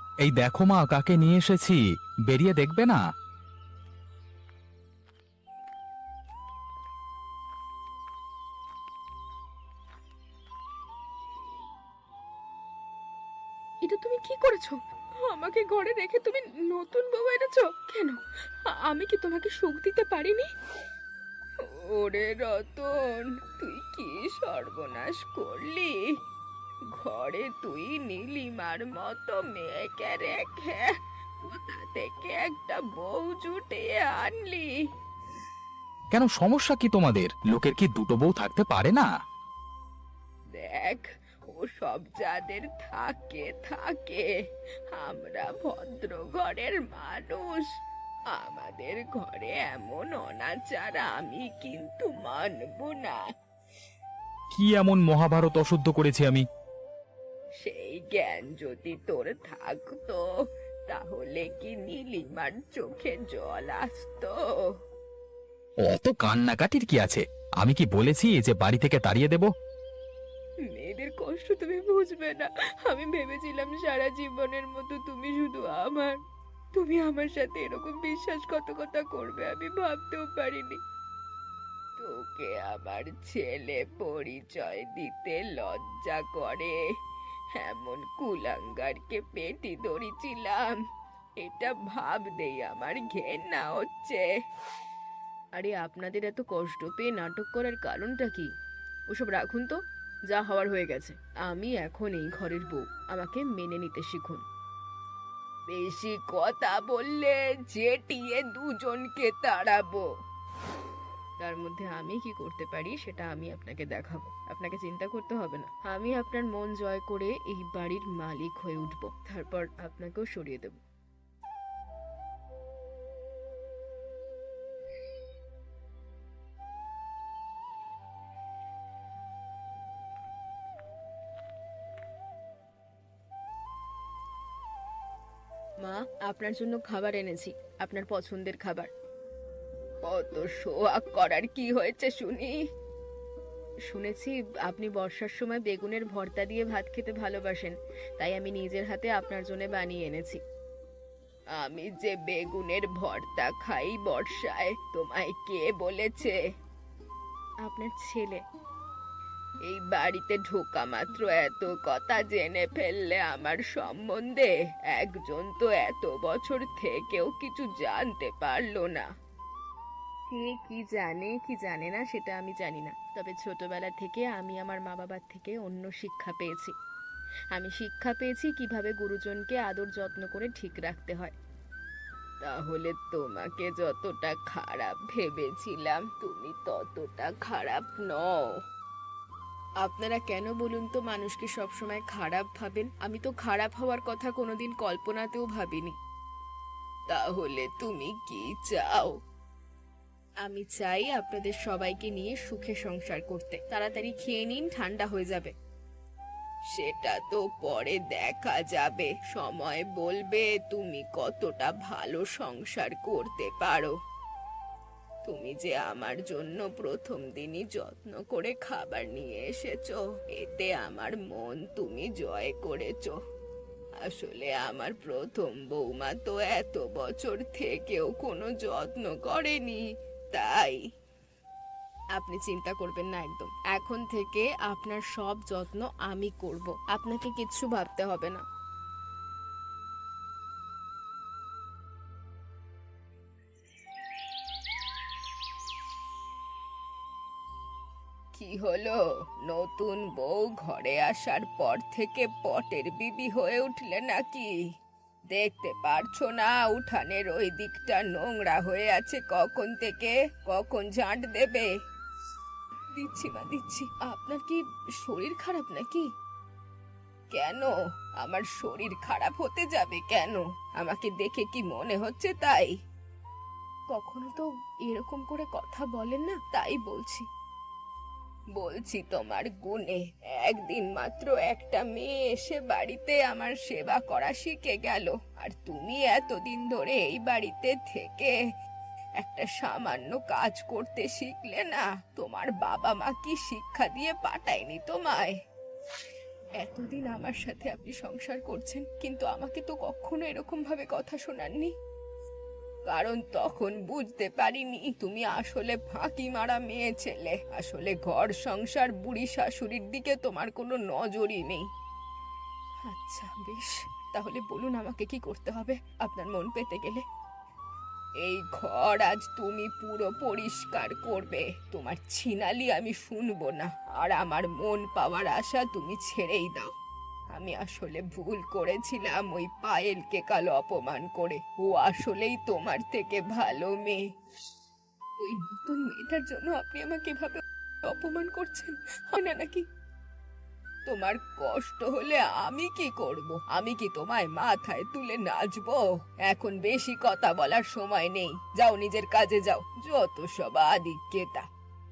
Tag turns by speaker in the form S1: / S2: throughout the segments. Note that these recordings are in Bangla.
S1: এই দেখো মা, কাকে নিয়ে এসেছি, বেরিয়ে দেখবে না?
S2: এটা তুমি কি করেছো? আমাকে ঘরে রেখে তুমি নতুন বউ এনেছো কেন? আমি কি তোমাকে সুখ দিতে পারিনি? ওরে রতন, তুই কি সর্বনাশ করলি! ঘরে তুই নীলিমার মতো মেয়েকে রেখে কোথা থেকে একটা বউ জুটিয়ে আনলি!
S1: কেন, সমস্যা কি তোমাদের? লোকের কি দুটো বউ থাকতে পারে না?
S2: দেখ, ও সব যাদের থাকে থাকে, আমরা ভদ্র ঘরের মানুষ, আমাদের ঘরে এমন অনাচার আমি কিন্তু মানব না।
S1: কি এমন মহাভারত অশুদ্ধ করেছি আমি?
S2: সেই জ্ঞান যদি তোর থাকতো, তাহলে কি নীলিমার চোখে জল আসতো?
S1: অত কান্নাকাটির কি আছে? আমি কি বলেছি যে বাড়ি থেকে তাড়িয়ে দেব?
S2: মেয়েদের কষ্ট তুমি বুঝবে না। আমি ভেবেছিলাম সারা জীবনের মতো তুমি শুধু আমার, তুমি আমার সাথে এরকম বিশ্বাসঘাতকতা করবে আমি ভাবতেও পারিনি। তোকে আমার ছেলে পরিচয় দিতে লজ্জা করে এমন কুলাঙ্গারকে পেটি ধরেছিলাম, এটা ভাবতেই আমার ঘেন্না হচ্ছে। আরে আপনাদের এত কষ্ট পেয়ে নাটক করার কারণটা কি? ওসব রাখুন তো, যা হওয়ার হয়ে গেছে। আমি এখন এই ঘরের বউ, আমাকে মেনে নিতে শিখুন। বেশি কথা বললে জেটিয়ে দুজনকে তাড়াবো। তার মধ্যে আমি কি করতে পারি সেটা আমি আপনাকে দেখাবো। আপনাকে চিন্তা করতে হবে না, আমি আপনার মন জয় করে এই বাড়ির মালিক হয়ে উঠবো, তারপর আপনাকেও সরিয়ে দেব। মা, আপনার জন্য খাবার এনেছি, আপনার পছন্দের খাবার। কত শোয়াক করার কি হয়েছে শুনি? শুনেছি আপনি বর্ষার সময় বেগুনের ভর্তা দিয়ে ভাত খেতে ভালোবাসেন, তাই আমি নিজের হাতে আপনার জন্য বানিয়ে এনেছি। আমি যে বেগুনের ভর্তা খাই বর্ষায়, তোমায় কে বলেছে? আপনার ছেলে। এই বাড়িতে ঢোকা মাত্র এত কথা জেনে ফেললে আমার সম্বন্ধে! একজন তো এত বছর থেকেও কিছু জানতে পারলো না। কে কি জানে কি জানে না সেটা আমি জানি না, তবে ছোটবেলা থেকে আমি আমার মা বাবার থেকে অন্য শিক্ষা পেয়েছি। আমি শিক্ষা পেয়েছি কিভাবে গুরুজনকে আদর যত্ন করে ঠিক রাখতে হয়। তাহলে তোমাকে যতটা খারাপ ভেবেছিলাম তুমি ততটা খারাপ নও। আপনারা কেন বলুন তো মানুষকে সবসময় খারাপ ভাবেন? আমি তো খারাপ হওয়ার কথা কোনোদিন কল্পনাতেও ভাবিনি। তাহলে তুমি কি চাও? আমি চাই আপনাদের সবাইকে নিয়ে সুখে সংসার করতে। তাড়াতাড়ি খেয়ে নিন, ঠান্ডা হয়ে যাবে। সেটা তো পরে দেখা যাবে, সময় বলবে তুমি কতটা ভালো সংসার করতে পারো। তুমি যে আমার জন্য প্রথম দিনই যত্ন করে খাবার নিয়ে এসেছো, এতে আমার মন তুমি জয় করেছো। আসলে আমার প্রথম বৌমা তো এত বছর থেকেও কোনো যত্ন করেনি, তাই। আপনি চিন্তা করবেন না একদম, এখন থেকে আপনার সব যত্ন আমি করব, আপনাকে কিচ্ছু ভাবতে হবে না। কি হলো? নতুন বউ ঘরে আসার পর থেকে পটের বিবি হয়ে উঠলে নাকি? দেখতে পারছো না উঠানের ওই দিকটা নোংরা হয়ে আছে কখন থেকে? কখন ঝাঁট দেবে? দিচ্ছি মা, দিচ্ছি। আপনার কি শরীর খারাপ নাকি? কেন? আমার শরীর খারাপ হতে যাবে কেন? আমাকে দেখে কি মনে হচ্ছে তাই? কখনো তো এরকম করে কথা বলেন না, তাই বলছি। বলছি তোমার গুণে। একদিন মাত্র একটা মেয়ে এসে বাড়িতে আমার সেবা করা শিখে গেল, আর তুমি এতদিন ধরে এই বাড়িতে থেকে একটা সামান্য কাজ করতে শিখলে না? তোমার বাবা মা কি শিক্ষা দিয়ে পাঠায়নি তোমায়? এতদিন আমার সাথে আপনি সংসার করছেন, কিন্তু আমাকে তো কখনো এরকম ভাবে কথা শোনাননি। কারণ তখন বুঝতে পারিনি তুমি আসলে ফাঁকি মারা মেয়ে ছেলে। আসলে ঘর সংসার বুড়ি শাশুড়ির দিকে তোমার কোনো নজরই নেই। আচ্ছা বেশ, তাহলে বলুন আমাকে কি করতে হবে আপনার মন পেতে গেলে। এই ঘর আজ তুমি পুরো পরিষ্কার করবে। তোমার ছিনালি আমি শুনবো না। আর আমার মন পাওয়ার আশা তুমি ছেড়েই দাও। আমি আসলে ভুল করেছিলাম ওই পায়েলকে কাল অপমান করে। ও আসলেই তোমার থেকে ভালো মেয়ে। ওই নতুন মেয়েটার জন্য আপনি আমাকে এভাবে অপমান করছেন, হয় না নাকি? তোমার কষ্ট হলে আমি কি করব? আমি কি তোমায় মাথায় তুলে নাচবো? এখন বেশি কথা বলার সময় নেই, যাও নিজের কাজে যাও। যত সব আদিক্যেতা।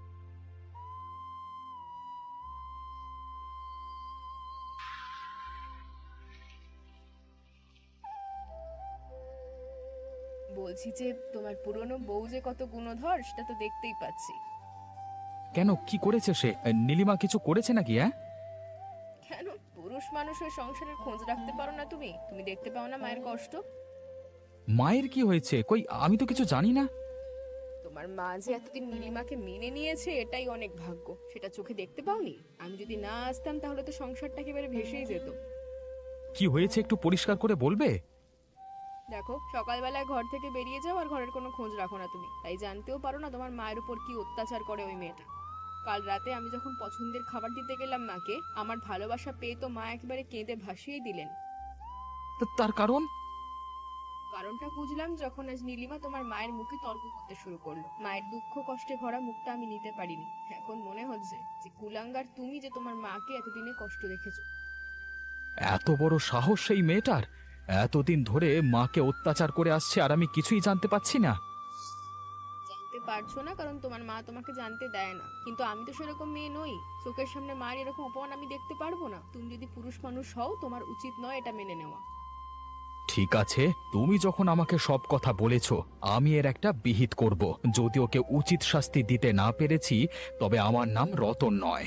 S2: বলছি যে তোমার পুরনো বউ যে কত গুণধর সেটা তো দেখতেই পাচ্ছি।
S1: কেন, কি করেছে সে? নীলিমা কিছু করেছে নাকি? হ্যাঁ,
S2: কেন পুরুষ মানুষের সংসারের খোঁজ রাখতে পারো না? তুমি তুমি দেখতে পাও না মায়ের কষ্ট?
S1: মায়ের কি হয়েছে? কই, আমি তো কিছু জানি না।
S2: তোমার মা যে এতদিন নীলিমাকে মেনে নিয়েছে এটাই অনেক ভাগ্য, সেটা চোখে দেখতে পাওনি? আমি যদি না আসতাম তাহলে তো সংসারটা একেবারে ভেসেই যেত।
S1: কি হয়েছে একটু পরিষ্কার করে বলবে?
S2: দেখো, সকালবেলায় ঘর থেকে বেরিয়ে যাও আর ঘরের কোনো খোঁজ রাখো না তুমি, তাই জানতেও পারো না তোমার মায়ের উপর কি অত্যাচার করে ওই মেয়েটা। কাল রাতে আমি যখন পছন্দের খাবার দিতে গেলাম মাকে, আমার ভালোবাসা পেয়ে তো মা একেবারে কেঁদে ভাসিয়েই দিলেন।
S1: তার কারণ?
S2: কারণটা বুঝলাম যখন আজ নীলিমা তোমার মায়ের মুখে তর্ক করতে শুরু করলো। মায়ের দুঃখ কষ্টে ভরা মুখটা আমি নিতে পারিনি। এখন মনে হচ্ছে যে কুলাঙ্গার তুমি, যে তোমার মাকে এতদিনে কষ্ট দেখেছো।
S1: এত বড় সাহস সেই মেয়েটার! এতদিন ধরে মাকে অত্যাচার করে আসছে আর আমি কিছুই জানতে পাচ্ছি না।
S2: জানতে পারছো না কারণ তোমার মা তোমাকে জানতে দেয় না, কিন্তু আমি তো সেরকম মেয়ে নই। চোখের সামনে মায়ের এরকম অপমান আমি দেখতে পারবো না। তুমি যদি পুরুষ মানুষ হও তোমার উচিত নয় এটা মেনে নেওয়া।
S1: ঠিক আছে, তুমি যখন আমাকে সব কথা বলেছ, আমি এর একটা বিহিত করব। যদি ওকে উচিত শাস্তি দিতে না পেরেছি, তবে আমার নাম রতন নয়।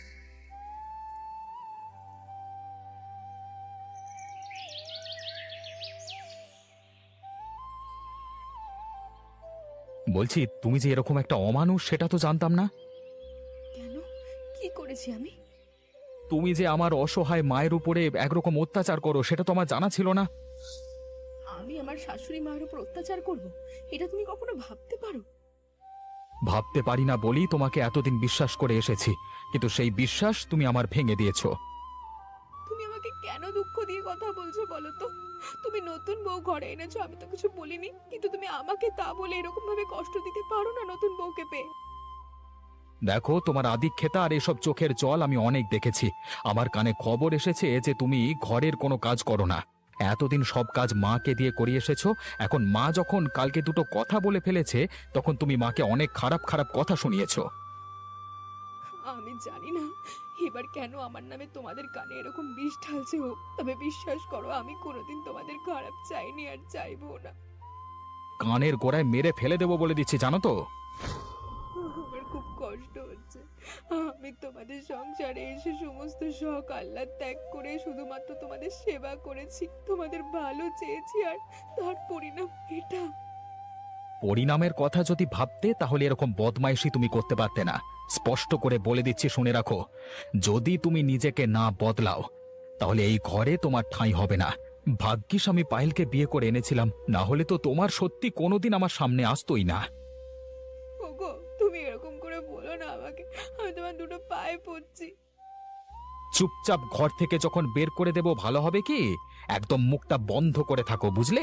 S1: বলছি, তুমি যে এরকম একটা অমানুষ সেটা তো জানতাম না।
S2: কেন? কি করেছি আমি?
S1: তুমি যে আমার অসহায় মায়ের উপরে একরকম অত্যাচার করো সেটা তো আমার জানা ছিল না।
S2: আমি আমার শাশুড়ি মায়ের উপর অত্যাচার করব? এটা তুমি কখনো ভাবতে পারো?
S1: ভাবতে পারি না বলি তোমাকে এতদিন বিশ্বাস করে এসেছি, কিন্তু সেই বিশ্বাস তুমি আমার ভেঙে দিয়েছো।
S2: তুমি আমাকে কেন দুঃখ দিয়ে কথা বলছো বলো তো? তুমি নতুন বউ ঘরে এনেছো, আমি তো কিছু বলিনি, কিন্তু তুমি আমাকে তা বলে এরকম ভাবে কষ্ট দিতে পারো না নতুন বউকে পেয়ে।
S1: দেখো, তোমার আদিক্ষেতা আর এসব চোখের জল আমি অনেক দেখেছি। আমার কানে খবর এসেছে যে তুমি ঘরের কোনো কাজ করো না। এতদিন সব কাজ মাকে দিয়ে করিয়ে এসেছো। এখন মা যখন কালকে দুটো কথা বলে ফেলেছে, তখন তুমি মাকে অনেক খারাপ খারাপ কথা শুনিয়েছো।
S2: আমি জানি না এবার কেন আমার নামে তোমাদের কানে এরকম বিষ ঢালছে ও, তবে বিশ্বাস করো আমি কোনোদিন তোমাদের খারাপ চাইনি আর চাইবো না।
S1: কানের গোড়ায় মেরে ফেলে দেবো বলে দিচ্ছি, জানো তো।
S2: আমার খুব কষ্ট হচ্ছে। আমি তোমাদের সংসারে এসে সমস্ত শখ আহ্লাদ ত্যাগ করে শুধুমাত্র তোমাদের সেবা করেছি, তোমাদের ভালো চেয়েছি, আর তার পরিণাম এটা।
S1: পরিণামের কথা যদি ভাবতে তাহলে এরকম বদমাইশি তুমি করতে পারতে না। স্পষ্ট করে বলে দিচ্ছি, শুনে রাখো। যদি তুমি নিজেকে না বদলাও, তাহলে এই ঘরে তোমার ঠাঁই হবে না। ভাগ্যিস আমি পায়েলকে বিয়ে করে এনেছিলাম, না হলে তো তোমার সত্যি কোনোদিন আমার সামনে আসতোই না।
S2: ওগো, তুমি এরকম করে বলো না আমাকে, আমি তোমার দুটো পায়ে পড়ছি।
S1: চুপচাপ ঘর থেকে যখন বের করে দেব ভালো হবে কি? একদম মুখটা বন্ধ করে থাকো, বুঝলে?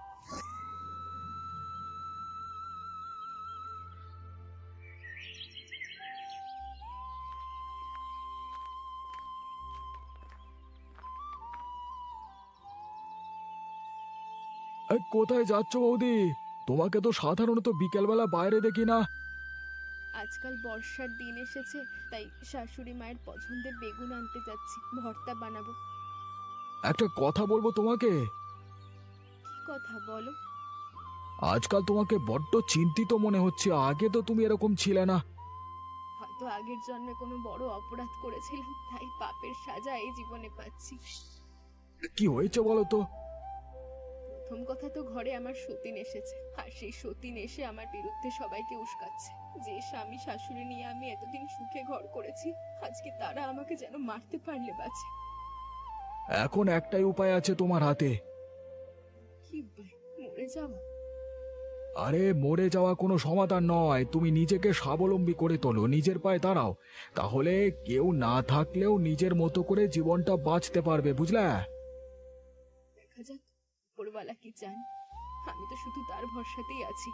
S1: কোথায় যাচ্ছ বৌদি? তোমাকে তো সাধারণত বিকেলবেলা বাইরে দেখি না।
S2: আজকাল বর্ষার দিন এসেছে, তাই শাশুড়ি মায়ের পছন্দের বেগুন আনতে যাচ্ছি, ভর্তা বানাবো।
S1: একটা কথা বলবো তোমাকে।
S2: কি কথা বলো?
S1: আজকাল তোমাকে বড্ড চিন্তিত মনে হচ্ছে, আগে তো তুমি এরকম ছিলে না।
S2: হয়তো আগের জন্মে কোনো বড় অপরাধ করেছিলাম, তাই পাপের সাজা এই জীবনে পাচ্ছি।
S1: কি হয়েছে বলো তো?
S2: প্রথম কথা তো ঘরে আমার সতীন এসেছে, আর সেই সতীন এসে আমার বিরুদ্ধে সবাইকে উস্কাচ্ছে। যে স্বামী শাশুড়ি নিয়ে আমি এতদিন সুখে ঘর করেছি, আজকে তারা আমাকে যেন মারতে পারলে বাঁচে।
S1: এখন একটাই উপায় আছে তোমার হাতে।
S2: কি উপায়? মরে যাওয়া?
S1: আরে মরে যাওয়া কোনো সমাধান নয়, তুমি নিজেকে স্বাবলম্বী করে তোলো, নিজের পায়ে দাঁড়াও। তাহলে কেউ না থাকলেও নিজের মতো করে জীবনটা বাঁচতে পারবে, বুঝলে?
S2: দেখা যাক উপরওয়ালা কি চান। আমি তো শুধু তার ভরসাতেই আছি।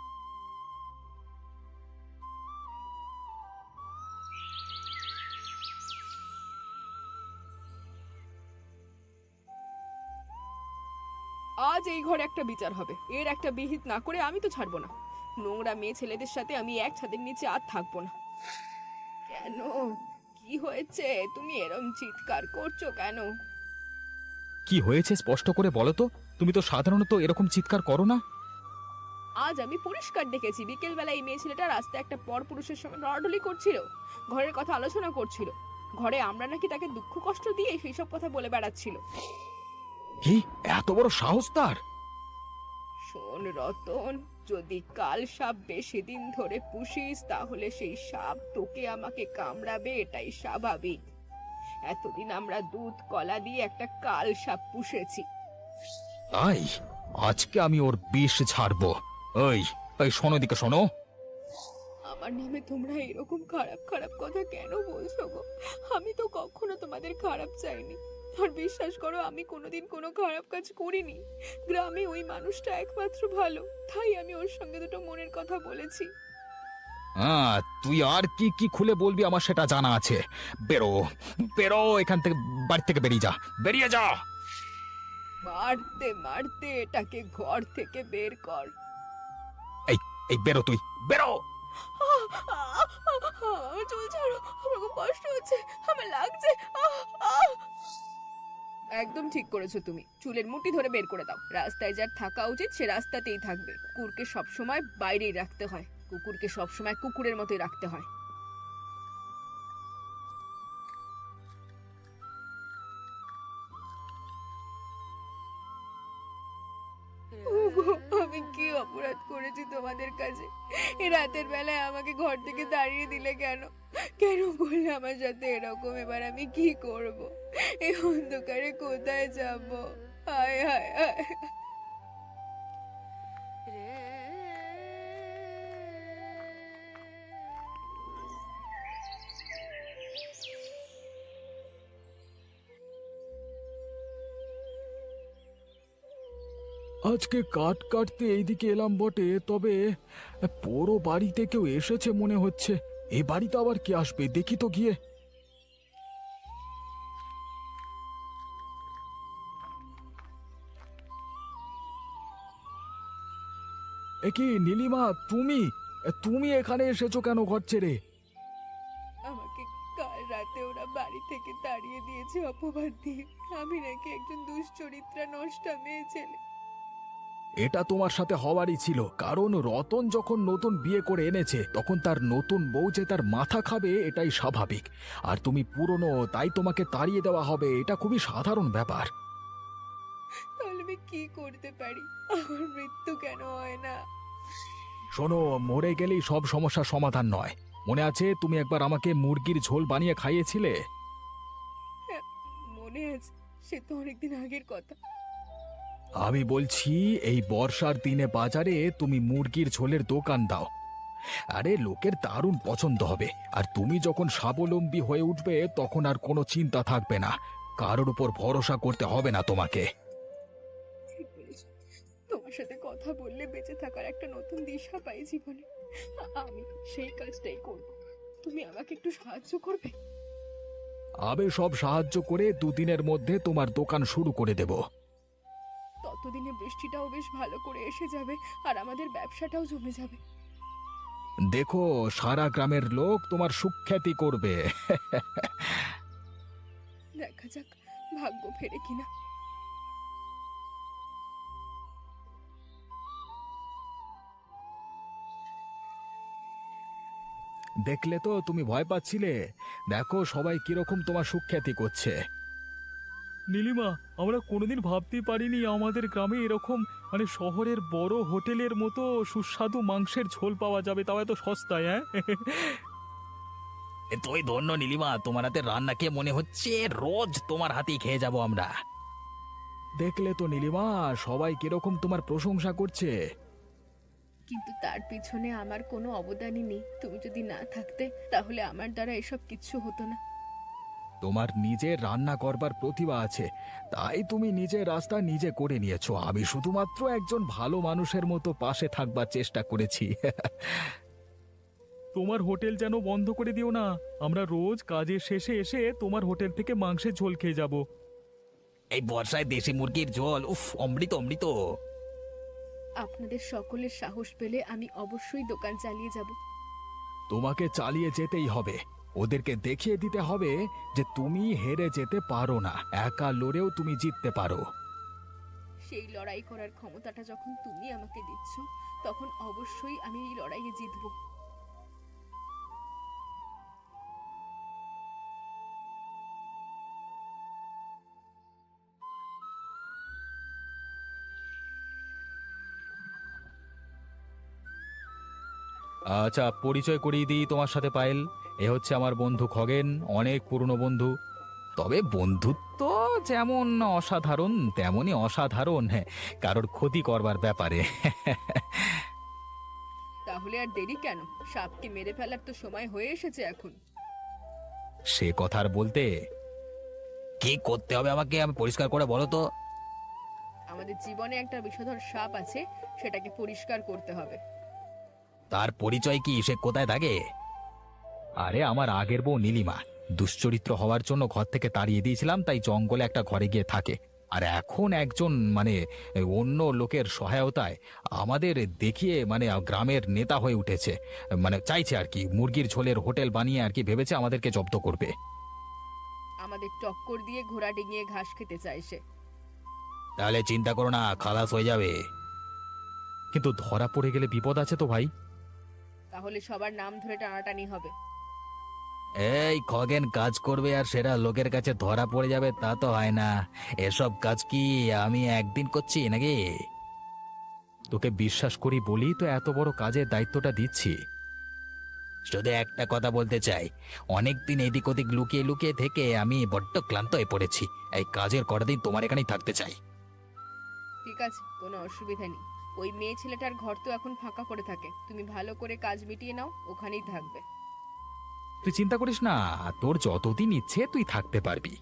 S2: আজ এই ঘরে একটা বিচার হবে, এর একটা বিহিত না করে আমি তো ছাড়বো না। নোংরা মেয়ে ছেলেদের সাথে আমি এক ছাদের নিচে আর থাকবো না। কেন? কি হয়েছে? তুমি এরম চিৎকার করছো কেন?
S1: কি হয়েছে স্পষ্ট করে বলো তো, তুমি তো সাধারণত এরকম চিৎকার করো না।
S2: আজ আমি পরিষ্কার দেখেছি, বিকেল বেলা এই মেয়ে ছেলেটা রাস্তায় একটা পর পুরুষের সঙ্গে লড়াডলি করছিল, ঘরের কথা আলোচনা করছিল। ঘরে আমরা নাকি তাকে দুঃখ কষ্ট দিয়ে সেই সব কথা বলে বেড়াচ্ছিল।
S1: কি এত বড় সাহস তার?
S2: শোন রতন, যদি কাল সাপ বেশি দিন ধরে পুষিস তাহলে সেই সাপ তোকে আমাকে কামড়াবে, এটাই স্বাভাবিক। এতদিন আমরা দুধ কলা দিয়ে একটা কাল সাপ পুষেছি।
S1: তাই আজকে আমি ওর বিষ ছাড়বো। ওই ওই শোনো, দিকে শোনো।
S2: আমার নামে তোমরা এরকম খারাপ খারাপ কথা কেন বলছো গো? আমি তো কখনো তোমাদের খারাপ চাইনি। আর বিশ্বাস করো, আমি কোনোদিন কোনো খারাপ কাজ করিনি। গ্রামে ওই মানুষটা একমাত্র ভালো, তাই আমি ওর সঙ্গে দুটো মনের কথা বলেছি।
S1: হ্যাঁ, তুই আর কি কি খুলে বলবি আমার সেটা জানা আছে। বেরো, বেরো এখান থেকে, বাড়ি থেকে বেরিয়ে যা, বেরিয়ে যা।
S2: মারতে মারতে এটাকে ঘর থেকে বের কর।
S1: এই এই বেরো, তুই বেরো।
S2: আমার চুল ছাড়ো, আমার খুব কষ্ট হচ্ছে, আমার লাগছে। আহ, আহ। একদম ঠিক করেছো তুমি, চুলের মুঠি ধরে বের করে দাও। রাস্তায় যার থাকা উচিত সে রাস্তাতেই থাকবে। কুকুরকে সবসময় বাইরেই রাখতে হয়, কুকুরকে সবসময় কুকুরের মতোই রাখতে হয়। ওগো, আমি কি অপরাধ করেছি তোমাদের কাছে? এই রাতের বেলায় আমাকে ঘর থেকে তাড়িয়ে দিলে কেন? কেন করলে আমার সাথে এরকম? এবার আমি কি করব? এই অন্ধকারে কোথায় যাব? হায় হায় হায়।
S1: আজকে কাঠ কাটতে এইদিকে এলাম বটে, তবে পুরো বাড়িতে কেউ এসেছে মনে হচ্ছে। এই বাড়িতে আবার কে আসবে, দেখি তো গিয়ে। এ কি নীলিমা, তুমি তুমি এখানে এসেছো কেন ঘর ছেড়ে?
S2: আমাকে কাল রাতে ওরা বাড়ি থেকে তাড়িয়ে দিয়েছে অপবাদ দিয়ে। আমি নাকি একজন দুশ্চরিত্রা নষ্টা মেয়ে ছেলে।
S1: এটা তোমার সাথে হওয়ারই ছিল, কারণ রতন যখন নতুন বিয়ে করে এনেছে তখন তার নতুন বউ যে তার মাথা খাবে এটাই স্বাভাবিক। আর তুমি পুরনো, তাই তোমাকে তাড়িয়ে দেওয়া হবে, এটা খুবই সাধারণ ব্যাপার।
S2: তাহলে আমি কি করতে পারি? আমার মৃত্যু কেন হয় না?
S1: শোনো, মরে গেলেই সব সমস্যার সমাধান নয়। মনে আছে তুমি একবার আমাকে মুরগির ঝোল বানিয়ে খাইয়েছিলে?
S2: হ্যাঁ, মনে আছে, সে তো অনেকদিন আগের কথা।
S1: আমি বলছি, এই বর্ষার দিনে বাজারে তুমি মুরগির ঝোলের দোকান দাও। আরে লোকের দারুণ পছন্দ হবে। আর তুমি যখন স্বাবলম্বী হয়ে উঠবে তখন আর কোনো চিন্তা থাকবে না, কারোর উপর ভরসা করতে হবে না তোমাকে।
S2: ঠিক বলেছ, তোমার সাথে কথা বললে বেঁচে থাকার একটা নতুন দিশা পাই জীবনে। আমি সেই কাজটাই করব। তুমি আমাকে একটু সাহায্য করবে?
S1: আমি সব সাহায্য করে দুদিনের মধ্যে তোমার দোকান শুরু করে দেব।
S2: ততদিনে বৃষ্টিটাও বেশ ভালো করে এসে যাবে, আর আমাদের ব্যবসাটাও জমে যাবে।
S1: দেখো, সারা গ্রামের লোক তোমার সুখ্যাতি করবে।
S2: দেখা যাক ভাগ্য ফেরে কিনা।
S1: দেখলে তো তুমি ভয় পাচ্ছিলে, দেখো সবাই কিরকম তোমার সুখ্যাতি করছে। নীলিমা, আমরা কোনোদিন ভাবতেই পারিনি আমাদের গ্রামে এরকম মানে শহরের বড় হোটেলের মতো সুস্বাদু মাংসের ঝোল পাওয়া যাবে, তাও এত সস্তায়। হ্যাঁ, তুই ধন্য নীলিমা, তোমার হাতে রান্না খেয়ে মনে হচ্ছে রোজ তোমার হাতেই খেয়ে যাব আমরা। দেখলে তো নীলিমা, সবাই কিরকম তোমার প্রশংসা করছে।
S2: কিন্তু তার পিছনে আমার কোনো অবদানই নেই। তুমি যদি না থাকতে তাহলে আমার দ্বারা এসব কিচ্ছু হতো না।
S1: তোমার নিজের রান্না করবার প্রতিভা আছে, তাই তুমি নিজের রাস্তা নিজে করে নিয়েছো। আমি শুধুমাত্র একজন ভালো মানুষের মতো পাশে থাকবার চেষ্টা করেছি। তোমার হোটেল যেন বন্ধ করে দিও না, আমরা রোজ কাজের শেষে এসে তোমার হোটেল থেকে মাংসের ঝোল খেয়ে যাব। এই বর্ষায় দেশি মুরগির ঝোল, উফ, অমৃত অমৃত।
S2: আপনাদের সকলের সাহস পেলে আমি অবশ্যই দোকান চালিয়ে যাব।
S1: তোমাকে চালিয়ে যেতেই হবে, ওদেরকে দেখিয়ে দিতে হবে যে তুমি হেরে যেতে পারো না, একা লড়েও তুমি জিততে পারো।
S2: সেই লড়াই করার ক্ষমতাটা যখন তুমি আমাকে দিচ্ছ, তখন অবশ্যই আমি এই লড়াইয়ে জিতব।
S1: আচ্ছা, পরিচয় করিয়ে দিই তোমার সাথে পায়েল। এ হচ্ছে আমার বন্ধু খগেন, অনেক পুরনো বন্ধু। তবে বন্ধুত্ব যেমন অসাধারণ তেমনই অসাধারণ, হ্যাঁ, কারোর ক্ষতি করবার ব্যাপারে।
S2: তাহলে আর দেরি কেন? সাপকে মেরে ফেলার তো সময় হয়ে এসেছে এখন।
S1: সে কথা আর বলতে, কি করতে হবে আমাকে, আমি পরিষ্কার করে বলো তো।
S2: আমাদের জীবনে একটা বিষধর সাপ আছে, সেটাকে পরিষ্কার করতে হবে।
S1: তার পরিচয় কি, সে কোথায় থাকে? আরে আমার আগের বউ নীলিমা, দুশ্চরিত্র হওয়ার জন্য ঘর থেকে তাড়িয়ে দিয়েছিলাম, তাই জঙ্গলে একটা ঘরে গিয়ে থাকে। আর এখন একজন মানে অন্য লোকের সহায়তায় আমাদের দেখিয়ে মানে গ্রামের নেতা হয়ে উঠেছে। মানে চাইছে আর কি, মুরগির ঝোলের হোটেল বানিয়ে আর কি ভেবেছে আমাদেরকে জব্দ করবে।
S2: আমাদের টক্কর দিয়ে ঘোড়া ডিঙিয়ে ঘাস খেতে চায় সে।
S1: তাহলে চিন্তা করো না, খালাস হয়ে যাবে। কিন্তু ধরা পড়ে গেলে বিপদ আছে তো ভাই।
S2: তাহলে সবার নাম ধরে টানাটানি হবে।
S1: এই খগেন কাজ করবে আর সেটা লোকের কাছে ধরা পড়ে যাবে, তা তো হয় না। এসব কাজ কি আমি একদিন করছি নাকি? তোকে বিশ্বাস করি বলি তো এত বড় কাজের দায়িত্বটা দিচ্ছি। শুধু একটা কথা বলতে চাই, অনেকদিন এদিক ওদিক লুকিয়ে লুকিয়ে থেকে আমি বড্ড ক্লান্ত হয়ে পড়েছি। এই কাজের কটা দিন তোমার এখানেই থাকতে চাই।
S2: ঠিক আছে, কোনো অসুবিধা নেই। ওই মেয়ে ছেলেটার ঘর তো এখন ফাঁকা পড়ে থাকে, তুমি ভালো করে কাজ মিটিয়ে নাও, ওখানেই থাকবে।
S1: তুই চিন্তা করিস না, তোর যতদিন ইচ্ছে তুই থাকতে পারবি।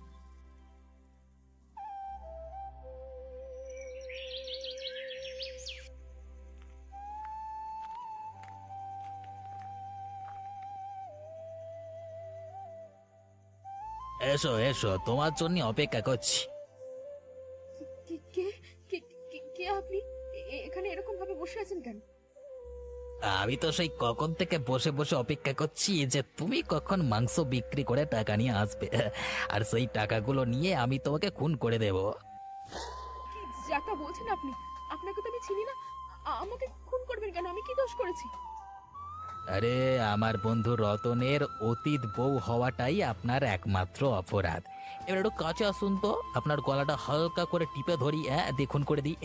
S1: এসো এসো, তোমার জন্য অপেক্ষা করছি।
S2: কে কে কে কে- কে আপনি? এখানে এরকম ভাবে বসে আছেন কেন?
S1: আমি তো সেই কখন থেকে বসে বসে অপেক্ষা করছি যে তুমি কখন মাংস বিক্রি করে টাকা নিয়ে আসবে, আর সেই টাকাগুলো নিয়ে আমি তোমাকে খুন করে দেব।
S2: কি যাতা বলছেন আপনি? আপনাকে তো আমি চিনি না। আমাকে খুন করবেন কেন? আমি কি দোষ করেছি?
S1: আরে আমার বন্ধু রতনের অতীত বউ হওয়াটাই আপনার একমাত্র অপরাধ। এবার একটু কাছে আসুন তো, আপনার গলাটা হালকা করে টিপে ধরি, হ্যাঁ, দেখুন করে দিই।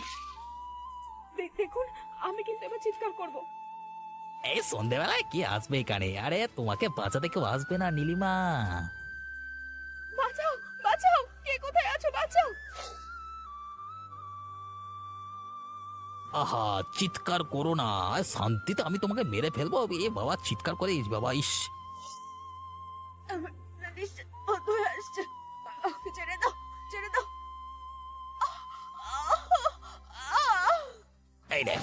S2: দেখুন, আমি কিন্তু এবার চিৎকার করব।
S1: এই সন্ধেবেলায় কি আসবে এখানে? আরে তোমাকে বাঁচাতে কেউ আসবে না নীলিমা।
S2: বাঁচাও, বাঁচাও, কে কোথায় আছো? বাঁচাও।
S1: আহা, চিৎকার করো না, শান্তিতে আমি তোমাকে মেরে ফেলবো। এ বাবা, চিৎকার করে বাবা, ইস।
S2: আমার নিঃশ্বাস বন্ধ হয়ে আসছে। ছেড়ে দাও, ছেড়ে দাও।
S1: এই রে,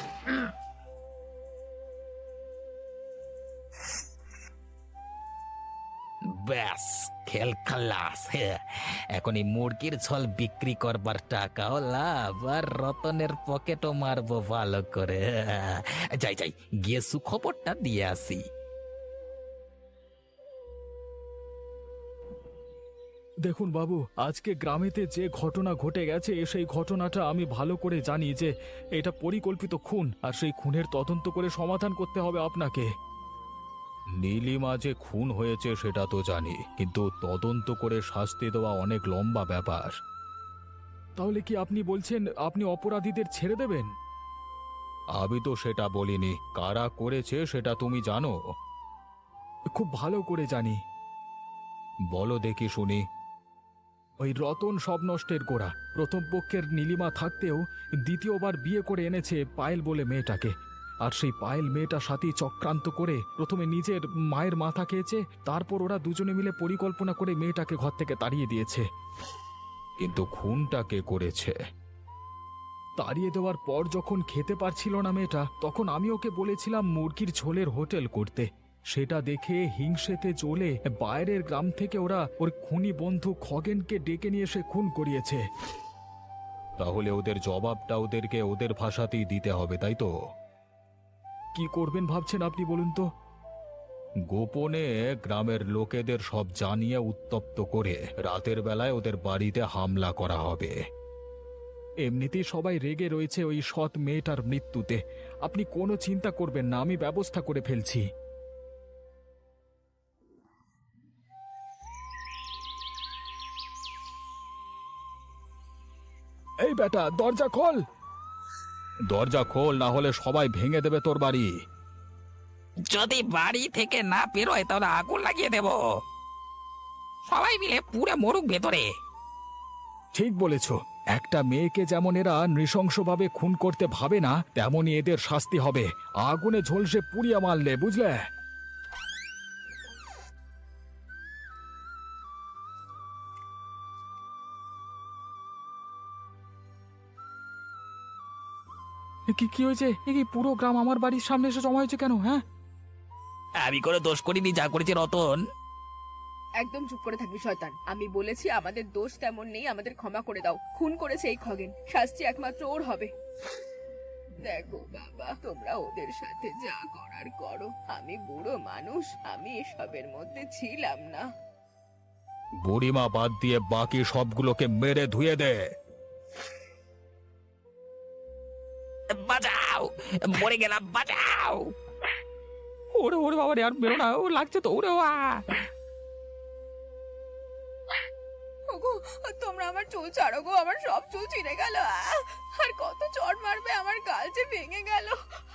S1: ব্যাস, খেল খালাস। এখন এই মুরগির ঝোল বিক্রি করবার টাকাও লাভ, আর রতনের পকেটও মারবো ভালো করে। যাই যাই, গিয়ে সুখবরটা দিয়ে আসি। দেখুন বাবু, আজকে গ্রামেতে যে ঘটনা ঘটে গেছে সেই ঘটনাটা আমি ভালো করে জানি যে এটা পরিকল্পিত খুন, আর সেই খুনের তদন্ত করে সমাধান করতে হবে আপনাকে। নীলিমা যে খুন হয়েছে সেটা তো জানি, কিন্তু তদন্ত করে শাস্তি দেওয়া অনেক লম্বা ব্যাপার। তাহলে কি আপনি বলছেন আপনি অপরাধীদের ছেড়ে দেবেন? আমি তো সেটা বলিনি, কারা করেছে সেটা তুমি জানো। খুব ভালো করে জানি। বলো দেখি শুনি। ওই রতন সব নষ্টের গোড়া। প্রথম পক্ষের নীলিমা থাকতেও দ্বিতীয়বার বিয়ে করে এনেছে পায়েল বলে মেয়েটাকে। আর সেই পায়েল মেয়েটার সাথেই চক্রান্ত করে প্রথমে নিজের মায়ের মাথা খেয়েছে, তারপর ওরা দুজনে মিলে পরিকল্পনা করে মেয়েটাকে ঘর থেকে তাড়িয়ে দিয়েছে। কিন্তু খুনটা কে করেছে? তাড়িয়ে দেওয়ার পর যখন খেতে পারছিল না মেয়েটা, তখন আমি ওকে বলেছিলাম মুরগির ঝোলের হোটেল করতে। সেটা দেখে হিংসেতে জ্বলে বাইরের গ্রাম থেকে ওরা ওর খুনি বন্ধু খগেনকে ডেকে নিয়ে এসে খুন করিয়েছে। তাহলে ওদের জবাবটা ওদেরকে ওদের ভাষাতেই দিতে হবে, তাই তো? কি করবেন ভাবছেন আপনি বলুন তো? গোপনে গ্রামের লোকেদের সব জানিয়ে উত্তপ্ত করে রাতের বেলায় ওদের বাড়িতে হামলা করা হবে। এমনিতেই সবাই রেগে রয়েছে ওই সৎ মেয়েটার মৃত্যুতে। আপনি কোনো চিন্তা করবেন না, আমি ব্যবস্থা করে ফেলছি। এই বেটা, দরজা খোল! দরজা খোল, না হলে সবাই ভেঙে দেবে তোর বাড়ি।
S3: যদি বাড়ি থেকে না বেরোয় তাহলে আগুন লাগিয়ে দেব। সবাই মিলে পুরে মরুক ভেতরে।
S1: ঠিক বলেছ। একটা মেয়েকে যেমন এরা নৃশংসভাবে খুন করতে ভাবে না, তেমনই এদের শাস্তি হবে। আগুনে ঝলসে পুড়িয়ে মারলে, বুঝলে? কি কি হয়েছে? এ কি পুরো গ্রাম আমার বাড়ির সামনে এসে জমা হয়েছে কেন? হ্যাঁ,
S3: আমি করে দোষ করিনি, যা করেছে রতন।
S2: একদম চুপ করে থাকবি শয়তান। আমি বলেছি আমাদের দোষ তেমন নেই, আমাদের ক্ষমা করে দাও। খুন করেছে এই খগেন, শাস্তি একমাত্র ওর হবে। দেখো বাবা, তোমরা ওদের সাথে যা করার করো। আমি বুড়ো মানুষ, আমি এসবের মধ্যে ছিলাম না।
S1: বুড়িমা বাদ দিয়ে বাকি সবগুলোকে মেরে ধুয়ে দে।
S3: বাঁচাও, মরে গেলাম, বাঁচাও।
S1: ওরে ওরে বাবা রে, আর বেরো না, ও লাগছে তো। ওরে বাবা!
S2: ওগো, তোমরা আমার চুল ছাড়ো গো, আমার সব চুল ছিঁড়ে গেল। আর কত চড় মারবে, আমার গাল যে ভেঙে গেল।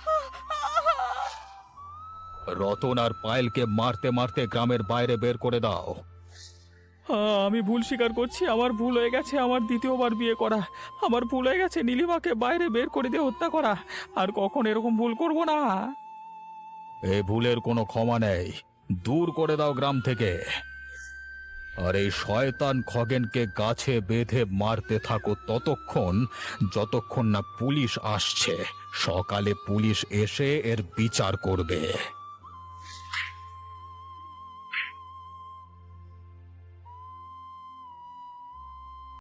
S1: রতন আর পায়েলকে মারতে মারতে গ্রামের বাইরে বের করে দাও। আমি ভুল স্বীকার করছি, আমার ভুল হয়ে গেছে। আমার দ্বিতীয়বার বিয়ে করা আমার ভুল হয়ে গেছে। নীলিমাকে বাইরে বের করে দিয়ে হত্যা করা। আর কখন এরকম ভুল করব না। এই ভুলের কোনো ক্ষমা নেই। দূর করে দাও গ্রাম থেকে। আর এই শয়তান খগেনকে গাছে বেঁধে মারতে থাকো ততক্ষণ, যতক্ষণ না পুলিশ আসছে। সকালে পুলিশ এসে এর বিচার করবে।